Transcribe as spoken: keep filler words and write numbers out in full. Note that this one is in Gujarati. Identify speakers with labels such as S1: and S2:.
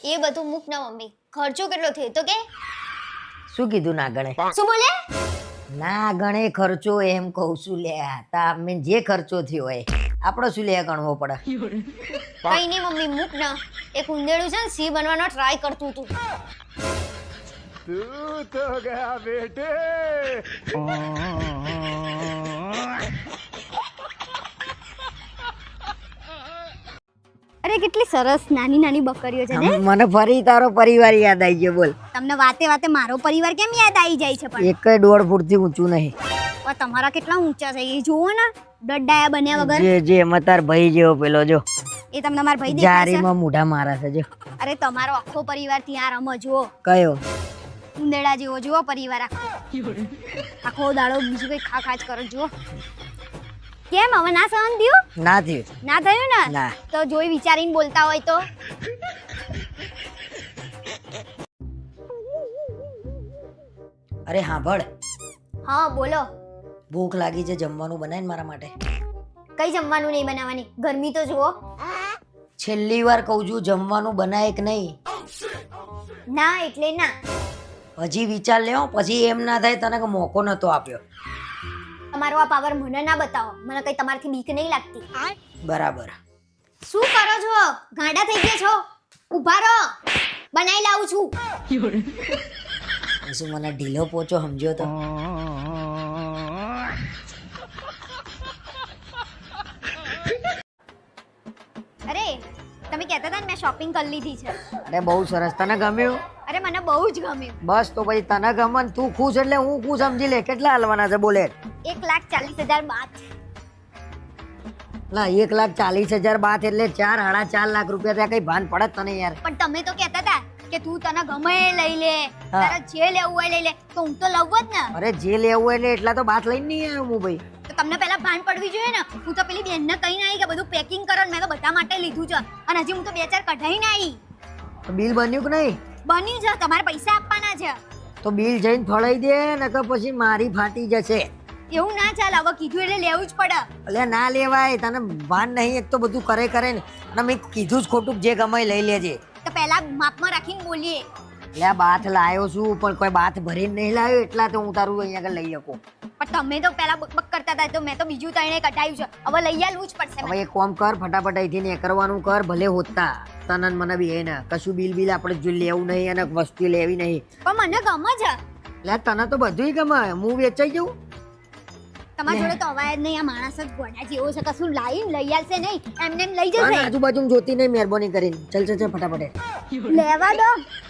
S1: એ બધું મૂક ના મમ્મી, ખર્ચો કેટલો થયો તો કે?
S2: શું કીધું ના ગણે?
S1: શું બોલે?
S2: ના ગણે ખર્ચો એમ કહું છું લે. તા મેં જે ખર્ચો થયો હોય આપણો શું લે ગણવો પડે?
S1: કઈ નહીં મમ્મી, મૂક ના. એક ઉંદેડું છે ને સિંહ બનવાનો ટ્રાય કરતું હતું.
S3: तू तो गया बेटे.
S4: અરે કેટલી સરસ નાની નાની બકરીઓ છે ને.
S2: મને ફરી તારો પરિવાર યાદ આવી ગયો. બોલ,
S4: તમને વાતે વાતે મારો પરિવાર કેમ યાદ આવી જાય છે? પણ
S2: એક દોઢ ફૂટથી ઊંચું નહીં.
S4: પણ તમારા કેટલા ઊંચા છે એ જુઓ ને, ડડાયા બન્યા વગર.
S2: જે જે એમાં તાર ભાઈ જેવો પેલો જો
S4: એ તમને મારા ભાઈ દેખાય છે?
S2: જારીમાં મોઢા મારા છે જો.
S4: અરે તમારો આખો પરિવાર ત્યાં રમો જુઓ.
S2: કયો?
S4: ઉંદેડા જેવો જુઓ પરિવાર આખો. આખો દાડો બીજું કઈ ખા ખા જ કરો જુઓ. કેમ હવે ના સહન થયું?
S2: ના થયું.
S4: ના થયું ને?
S2: ના.
S4: તો જોઈ વિચારીને બોલતા હોય તો.
S2: અરે હાંભળ,
S1: હા બોલો.
S2: ભૂખ લાગી છે, જમવાનું બનાય ને મારા માટે.
S1: કઈ જમવાનું નહીં બનાવવાની, ગરમી તો જુઓ.
S2: છેલ્લી વાર કહું છું, જમવાનું બનાય કે નહીં?
S1: ના એટલે ના.
S2: હજી વિચાર લેવો, પછી એમ ના થાય તને કે મોકો નતો આપ્યો.
S1: તમારો આ પાવર મને ના બતાવો, મને કઈ તમારથી બીક નહીં લાગતી.
S2: બરાબર.
S1: શું કરો છો? ગાંડા થઈ ગયા છો? ઊભા રહો, બનાવી લાવું છું.
S2: શું મને ઢીલો પોચો સમજ્યો તો?
S4: અરે તમે કહેતા હતા ને મેં શોપિંગ કરી લીધી છે.
S2: અરે બહુ સરસ. તને ગમ્યું?
S4: અરે મને બહુ જ ગમ્યું.
S2: બસ તો પછી તને ગમે ને તું ખુશ એટલે હું ખુશ. સમજી લે. કેટલા હાલવાના છે બોલે?
S4: એક લાખ ચાલીસ હજાર બાદ.
S2: લા એક લાખ ચાલીસ હજાર બાત એટલે ચાર સાડા ચાર લાખ રૂપિયા ત્યાં કઈ ભાન પડે તને યાર?
S4: પણ તમે તો કહેતા હતા કે તું તને ગમે એ લઈ લે,
S2: હા.
S4: તારે જે લેવું હોય લઈ લે. તો હું તો લઉં જ ને.
S2: અરે જે લેવું એટલે એટલા તો બાત લઈને નહીં આવ્યો હું ભાઈ.
S4: તો તમને પહેલા ભાન પડવી જોઈએ ને. હું તો પેલી બેનને કહીને આવી કે બધું પેકિંગ કરો ને મેં તો બધા માટે લીધું છે. અને હજી હું તો બે ચાર કઢાઈને આવી.
S2: તો બિલ બન્યું કે નહીં?
S4: બન્યું છે, તમારે પૈસા આપવાના છે.
S2: તો બિલ જઈને ફળાઈ દે ને કે પછી મારી ફાટી જશે.
S4: એવું ના ચાલે, હવે કીધું એટલે લેવું જ પડે.
S2: એટલે ના લેવાય. તને ભાન નહીં. એક તો બધું કરે કરે ને અને મેં કીધું જ ખોટું. જે ગમે એ લઈ લેજે.
S4: તો પહેલા માપમાં રાખીને બોલીએ.
S2: એટલે આ બાથ લાયો છું પણ કોઈ બાથ ભરીને નહીં લાવ્યો એટલા તો હું તારું અહીંયા આગળ લઈ શકું.
S4: પણ તમે તો પહેલા બકબક કરતા હતા તો મેં તો બીજું તણે કઢાયું છે. હવે લઈ આલવું જ પડશે
S2: હવે
S4: મને.
S2: એક કામ કર, ફટાફટ અહીંથી ને કરવાનું કર. ભલે હોતા તને ને મને બી ને કશું બિલ બિલ આપણે જો લેવું નહીં અને વસ્તુ લેવી નહીં.
S4: પણ મને ગમે છે.
S2: એટલે તને તો બધું ગમે. હું વેચાઈ જવું?
S4: તમારા જોડે તો અવાજ નહીં. આ માણસ જ ગોડા જેવો છે, કશું લાવીને લઈ આલશે નહીં, એમને એમ લઈ
S2: અને
S4: જશે.
S2: આજુબાજુ જોતી નહીં મહેરબાની કરીને. ચલ ચલ ચલ ફટાફટ.
S4: લેવા દો.